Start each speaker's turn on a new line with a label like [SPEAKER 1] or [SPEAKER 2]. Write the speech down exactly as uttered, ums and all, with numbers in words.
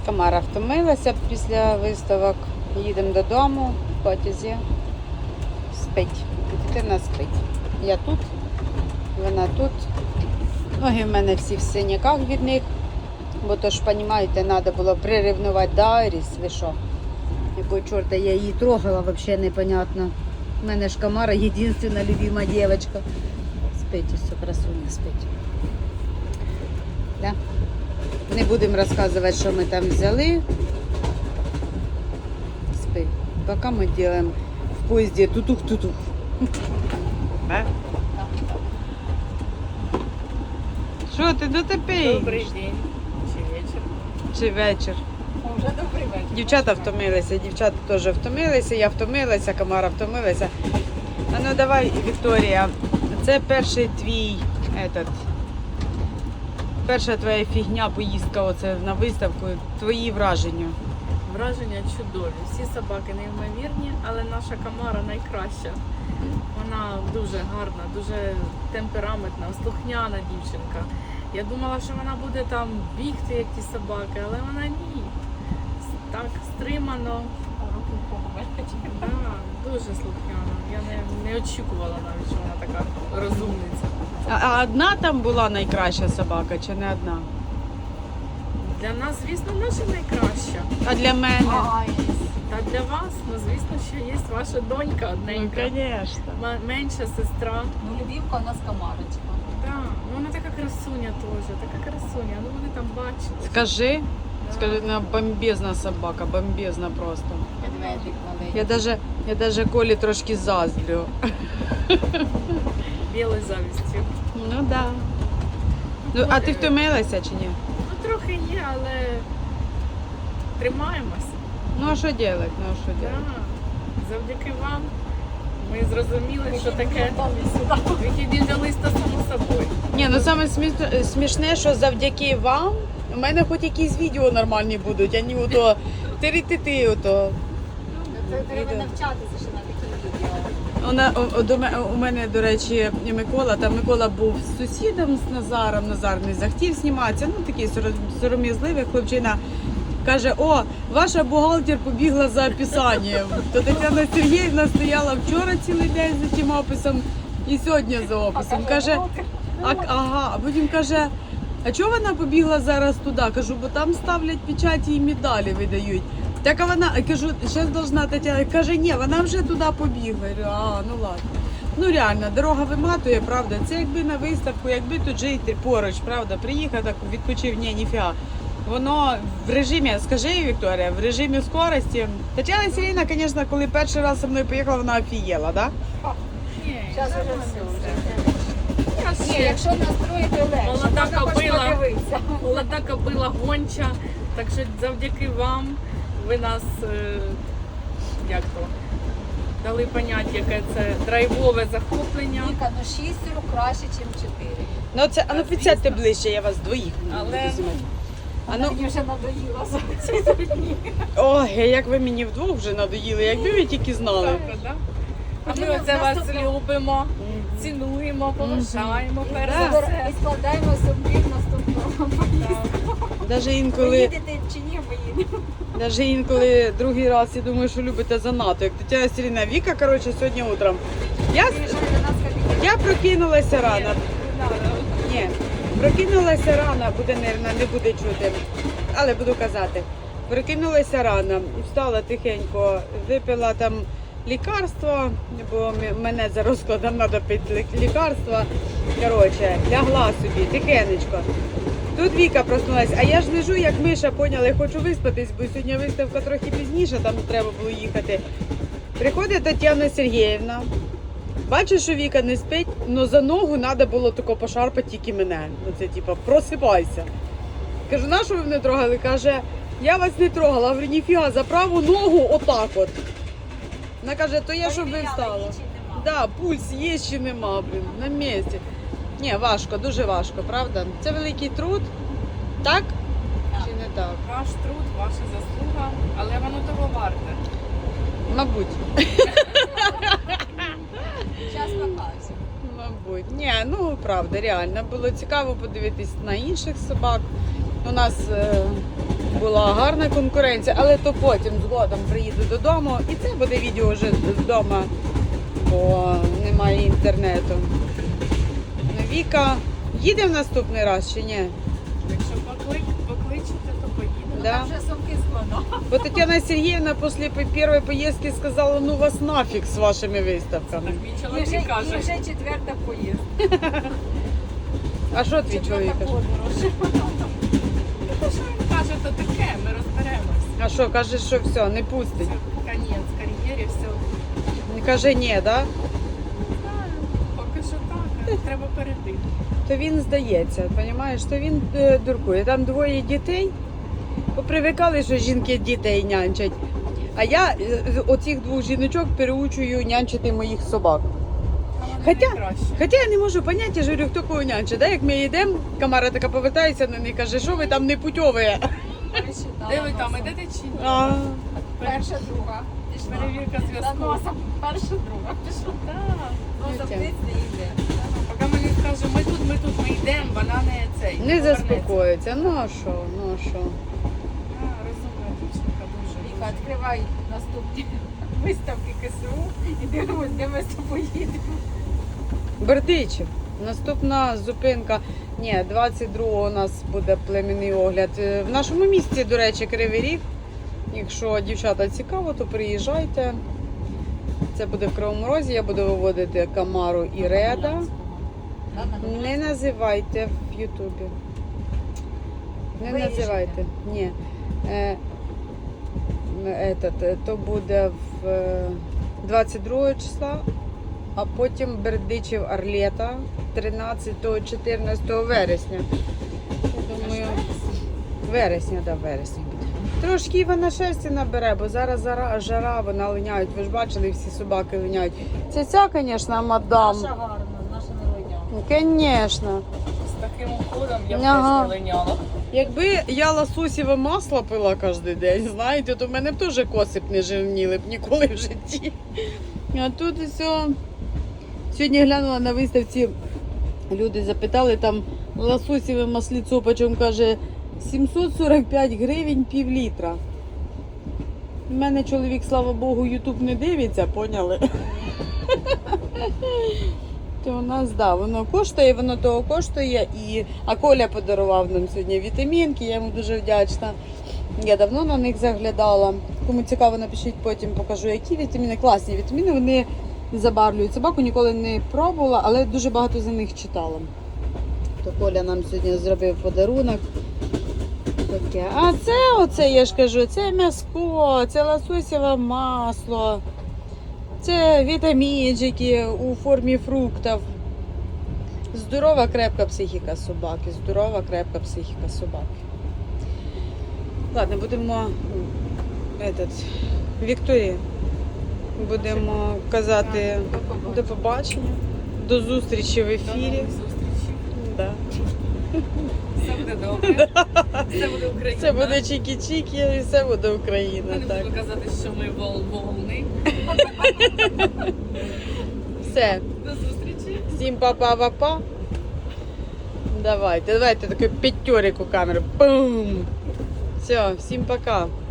[SPEAKER 1] Тамара втомилася після виставок. Їдемо додому в потязі. Спить. Дитина спить. Я тут, вона тут. Ноги в мене всі в синяках від них. Бо то ж, розумієте, треба було прирівнувати до Айріс. Ви що? Якого чорта я її трогала, взагалі непонятно. У мене ж Камара єдина любима дівчинка. Спить, ось красуня спить. Да? Не будемо розказувати, що ми там взяли. Спи. Поки ми робимо в поїзді тутух-тутух. А? Що ти дотепиш?
[SPEAKER 2] Добрий день. Чи вечір?
[SPEAKER 1] Чи вечір?
[SPEAKER 2] Вже добрий вечір.
[SPEAKER 1] Дівчата втомилися, дівчата теж втомилися, я втомилася, Камара втомилася. А ну давай, Вікторія, це перший твій, этот, перша твоя фігня, поїздка оце на виставку, твої враження.
[SPEAKER 2] Враження чудові. Всі собаки неймовірні, але наша Камара найкраща. Вона дуже гарна, дуже темпераментна, слухняна дівчинка. Я думала, що вона буде там бігти, як ті собаки, але вона ні. Так стримано. Да, дуже слухняна. Я не, не очікувала навіть, що вона така розумниця.
[SPEAKER 1] А, а одна там була найкраща собака, чи не одна?
[SPEAKER 2] Для нас, звісно, наша найкраща.
[SPEAKER 1] А для мене?
[SPEAKER 2] Та для вас, ну звісно, що є ваша донька
[SPEAKER 1] Ну,
[SPEAKER 2] одненька.
[SPEAKER 1] звісно.
[SPEAKER 2] М- менша сестра.
[SPEAKER 3] Ну, любимка у нас Камарочка.
[SPEAKER 2] Да. Ну вона така красуня теж, така красуня. Ну вони там бачать.
[SPEAKER 1] Скажи,
[SPEAKER 2] Да.
[SPEAKER 1] скажи, вона бомбезна собака, бомбезна просто.
[SPEAKER 3] Медведик маленький.
[SPEAKER 1] Я даже, я даже Колі трошки заздрю.
[SPEAKER 2] Білою завістю.
[SPEAKER 1] Ну да. Ну, а ти втомилася чи ні?
[SPEAKER 2] Ну трохи є, але тримаємось.
[SPEAKER 1] Ну а що робити? Ну а що
[SPEAKER 2] Да.
[SPEAKER 1] робити?
[SPEAKER 2] Завдяки вам ми зрозуміли, що таке вихідні до листа само собою.
[SPEAKER 1] Ні, ну саме смішне, смішне, що завдяки вам у мене хоч якісь відео нормальні будуть, а не ото ти-ти-ти ото.
[SPEAKER 3] Це треба навчатися, що на такі відео.
[SPEAKER 1] Вона, о, до ме- у мене, до речі, і Микола, там Микола був з сусідом, з Назаром, Назар не захотів зніматися, ну такий сором- сором'язливий хлопчина. Каже, о, ваша бухгалтер побігла за описанням. То Тетяна Сергіївна стояла вчора цілий день за тим описом і сьогодні за описом. Каже, а, ага, а потім каже, а чого вона побігла зараз туди? Кажу, бо там ставлять печаті і медалі видають. Так а вона, кажу, зараз должна Тетяна, каже, ні, вона вже туди побігла. Я говорю, а, ну ладно. Ну реально, дорога виматує, правда. Це якби на виставку, якби тут жити поруч, правда, приїхав, так відпочив, ні, ніфіга. Воно в режимі, скажи, Вікторія, в режимі скорості. Тетяна Сергіївна, звісно, коли перший раз зі мною поїхала, вона офігела, так? Да?
[SPEAKER 2] Ні,
[SPEAKER 3] Зараз вже
[SPEAKER 2] нормально
[SPEAKER 3] все.
[SPEAKER 2] все.
[SPEAKER 3] Ні, якщо настроїти легше,
[SPEAKER 2] Молода
[SPEAKER 3] можна хоч
[SPEAKER 2] кобила.
[SPEAKER 3] подивитися.
[SPEAKER 2] Молода кобила гонча, так що завдяки вам ви нас, е, як то, дали поняття, яке це драйвове захоплення.
[SPEAKER 3] Віка, ну шістеро краще, ніж чотири.
[SPEAKER 1] Ну це, а ну підсядьте ближче, я вас двоїх.
[SPEAKER 2] Але,
[SPEAKER 1] візьму. А
[SPEAKER 3] Вона
[SPEAKER 1] ну,
[SPEAKER 3] мені вже надоїла за ці три дні.
[SPEAKER 1] ой, як ви мені вдвох вже надоїли, якби ви тільки знали.
[SPEAKER 2] Так, да? А ми оце вас любимо, цінуємо, поважаємо, перш за все.
[SPEAKER 3] І складаємо собі наступного поїздку.
[SPEAKER 1] Навіть
[SPEAKER 3] Ви
[SPEAKER 1] інколи,
[SPEAKER 3] їдете чи ні, ми їдемо.
[SPEAKER 1] навіть інколи другий раз, я думаю, що любите занадто. Як Тетяна Сергіївна, Віка, коротше, сьогодні утром. Я,
[SPEAKER 3] Приїжджає до нас кабінет.
[SPEAKER 1] я прокинулася рано. Ні, прокинулася рано, буде нервно, не буде чути, але буду казати. Прокинулася рано, встала тихенько, випила там лікарство, бо м- мене за розкладом треба пити лі- лікарство. Коротше, лягла собі, тихенечко. Тут Віка проснулася, а я ж лежу, як миша, поняли, хочу виспатись, бо сьогодні виставка трохи пізніше, там треба було їхати. Приходить Тетяна Сергіївна. Бачу, що Віка не спить, але за ногу треба було тако пошарпати тільки мене. Ну це типа просипайся. Кажу, на що ви мене трогали? Каже, я вас не трогала. Говорю, ніфіга, за праву ногу отак от. Вона каже, то я щоб ви встала. Да, пульс є чи нема, блін, на місці. Ні, важко, дуже важко, правда? Це великий труд, так?
[SPEAKER 3] Так.
[SPEAKER 1] Чи не так?
[SPEAKER 2] Ваш труд, ваша заслуга, але воно того варте.
[SPEAKER 1] Мабуть.
[SPEAKER 3] Час покаже.
[SPEAKER 1] Мабуть. Ні, ну правда, реально. Було цікаво подивитись на інших собак. У нас е, була гарна конкуренція, але то потім згодом приїду додому і це буде відео вже вдома, бо немає інтернету. Ну, Віка, їде в наступний раз чи ні?
[SPEAKER 2] Якщо поклик, покличете, то поїдемо.
[SPEAKER 1] Да.
[SPEAKER 3] Там вже сумки складно.
[SPEAKER 1] Бо Тетяна Сергіївна після першої поїздки сказала, ну вас нафіг з вашими виставками.
[SPEAKER 2] Так мій
[SPEAKER 3] І вже,
[SPEAKER 2] чоловік
[SPEAKER 3] і
[SPEAKER 2] каже.
[SPEAKER 3] вже четверта поїздка.
[SPEAKER 1] А що твій чоловік
[SPEAKER 3] Четверта
[SPEAKER 1] каже?
[SPEAKER 3] подорож.
[SPEAKER 2] Те, що він каже, то таке, ми розберемось.
[SPEAKER 1] А що, каже, що все, не
[SPEAKER 2] Це
[SPEAKER 1] пустить?
[SPEAKER 2] конець кар'єрі, все.
[SPEAKER 1] Не каже ні, да?
[SPEAKER 2] Знаю, поки що так, а треба перейти.
[SPEAKER 1] То він здається, розумієш, то він е, дуркує. Там двоє дітей, попривикали, що жінки дітей нянчать. А я е, оцих двох жіночок переучую нянчити моїх собак.
[SPEAKER 2] А вони
[SPEAKER 1] Хоча-
[SPEAKER 2] найкраще.
[SPEAKER 1] Хоча я не можу поняти, я ж говорю, хто кого нянчить. Да? Як ми йдемо, Камара така повертається на них, каже, що ви там не путьові.
[SPEAKER 3] Пересчитала
[SPEAKER 2] Де ви там,
[SPEAKER 3] носом.
[SPEAKER 2] ідете чи ні?
[SPEAKER 1] А,
[SPEAKER 3] Перша, друга. Пішла.
[SPEAKER 2] Перевірка
[SPEAKER 3] За
[SPEAKER 2] зв'язку.
[SPEAKER 3] носом перша, друга. Пішла.
[SPEAKER 2] Так.
[SPEAKER 3] Носом
[SPEAKER 1] Дитя.
[SPEAKER 3] птиць не йде.
[SPEAKER 2] Поки мені скаже, ми тут, ми тут, ми йдемо, вона не цей.
[SPEAKER 1] не
[SPEAKER 2] повернеться.
[SPEAKER 1] заспокоїться. Ну а що, ну а що.
[SPEAKER 2] А, розумна дівчинка дуже.
[SPEAKER 3] Віка,
[SPEAKER 2] дуже.
[SPEAKER 3] відкривай наступні виставки КСУ і дивимось, де ми з тобою їдемо.
[SPEAKER 1] Бердичів. Наступна зупинка. Ні, двадцять другого у нас буде племінний огляд. Е, В нашому місті, до речі, Кривий Ріг. Якщо дівчата цікаво, то приїжджайте. Це буде в Кривому Розі. Я буду виводити Камару і Реда. Не називайте в Ютубі. Не
[SPEAKER 3] Вирішите.
[SPEAKER 1] називайте. Ні. Е, этот, е, то буде в е, двадцять другого числа, а потім Бердичів Арлета тринадцятого-чотирнадцятого вересня. Я думаю, вересня, да, вересня буде. Трошки вона шерсті набере, бо зараз зара- жара, вона линяють. Ви ж бачили, всі собаки линяють. Це ця, звісно, мадам.
[SPEAKER 3] Наша гарна, наша не линя.
[SPEAKER 1] Звісно.
[SPEAKER 2] З таким уходом я б
[SPEAKER 1] Ага.
[SPEAKER 2] теж не линяла.
[SPEAKER 1] Якби я лососєве масло пила кожен день, знаєте, то в мене б теж коси б не жирніли б ніколи в житті. А тут все. Сьогодні глянула на виставці, люди запитали, там лососєве масліцо, почем каже, сімсот сорок п'ять гривень пів літра. У мене чоловік, слава Богу, ютуб не дивиться, поняли? То у нас, да, воно коштує, воно того коштує. І... А Коля подарував нам сьогодні вітамінки, я йому дуже вдячна. Я давно на них заглядала. Кому цікаво, напишіть, потім покажу, які вітаміни. Класні вітаміни, вони забарвлюють собаку, ніколи не пробувала, але дуже багато за них читала. То Коля нам сьогодні зробив подарунок. Таке. А це, оце, я ж кажу, це м'яско, це лососєве масло. Це вітамінчики у формі фруктів. Здорова крепка психіка собаки. Здорова крепка психіка собаки. Ладно, будемо этот, Вікторії. Будемо казати до побачення, до зустрічі в
[SPEAKER 2] До
[SPEAKER 1] ефірі.
[SPEAKER 2] нових зустрічей.
[SPEAKER 1] Да.
[SPEAKER 2] Все буде добре. Все буде Україна.
[SPEAKER 1] Це буде чікі-чікі і все буде
[SPEAKER 2] Я
[SPEAKER 1] Україна.
[SPEAKER 2] не
[SPEAKER 1] Так.
[SPEAKER 2] буду казати, що ми вол волни.
[SPEAKER 1] Все.
[SPEAKER 2] До зустрічі.
[SPEAKER 1] Всім па-па-па-па. Давайте, давайте таку п'ятьорику камеру. Пум. Все, всім пока.